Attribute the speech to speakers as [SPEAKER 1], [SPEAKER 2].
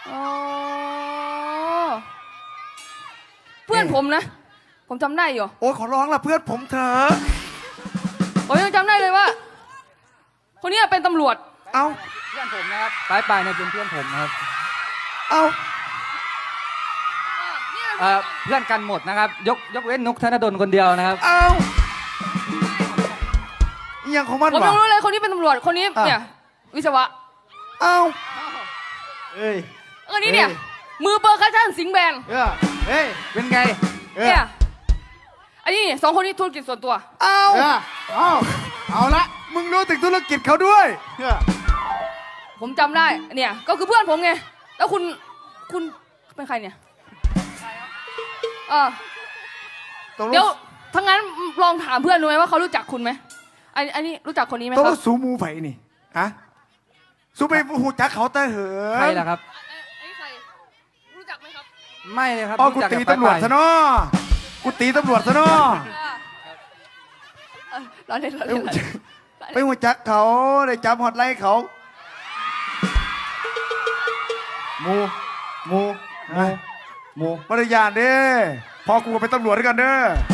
[SPEAKER 1] อ๋อเพื่อนผมนะผมจำได้อยู่
[SPEAKER 2] โอ้ยขอร้องละเพื่อนผมเถอะ
[SPEAKER 1] ผมยังจำได้เลยว่า คนนี้เป็นตำรวจ
[SPEAKER 2] เอา
[SPEAKER 3] เพื่อนผมนะครับปลายเนี่ยเป็นเพื่อนผมนะครับ
[SPEAKER 2] เอา
[SPEAKER 3] เพื่อนกันหมดนะครับยกเว้นนุกธนดลคนเดียวนะครับ
[SPEAKER 2] เอาอหย่างของมัน
[SPEAKER 1] ผม
[SPEAKER 2] วะ
[SPEAKER 1] ยังรู้เลยคนนี้เป็นตำรวจคนนี้เนี่ยวิศวะ
[SPEAKER 2] เอาเอ้ย
[SPEAKER 1] คนนี้เนี่ยมือเปอร์คัชชั่นสิงห์แบน
[SPEAKER 2] เฮ้ย
[SPEAKER 3] เป็นไง
[SPEAKER 1] เนี่ยอันนี้สองคนนี้ธุรกิจส่วนตัว
[SPEAKER 2] เอาเอาละมึงรู้ถึงธุรกิจเขาด้วย
[SPEAKER 1] ผมจำได้เนี่ยก็คือเพื่อนผมไงแล้วคุณเป็นใครเนี่ยเดี๋ยวทั้งนั้นลองถามเพื่อนดูไหมว่าเขารู้จักคุณไหมอันนี้รู้จักคนนี้ไหมค
[SPEAKER 2] ต้อ
[SPEAKER 1] รับ
[SPEAKER 2] งสูมูไผ่นี่ฮะสูไปหูจักเขาแต่เหิน
[SPEAKER 3] ใครล่ะครับ
[SPEAKER 1] อันนี้ใครรู้จักไหมครับ
[SPEAKER 3] ไม่เลยครับ
[SPEAKER 2] อ๋อกู
[SPEAKER 3] รู้จั
[SPEAKER 2] ตี
[SPEAKER 3] บ
[SPEAKER 2] ตำรวจ
[SPEAKER 3] ปลาย
[SPEAKER 2] ซะเนาะกูตีตำรวจซะเนาะ
[SPEAKER 1] เราเล่น
[SPEAKER 2] ไปหูจักเขาได้จับฮอตไลน์เขามูปริยานเด้พอกูก็เป็นตำรวจด้วยกันเด้อ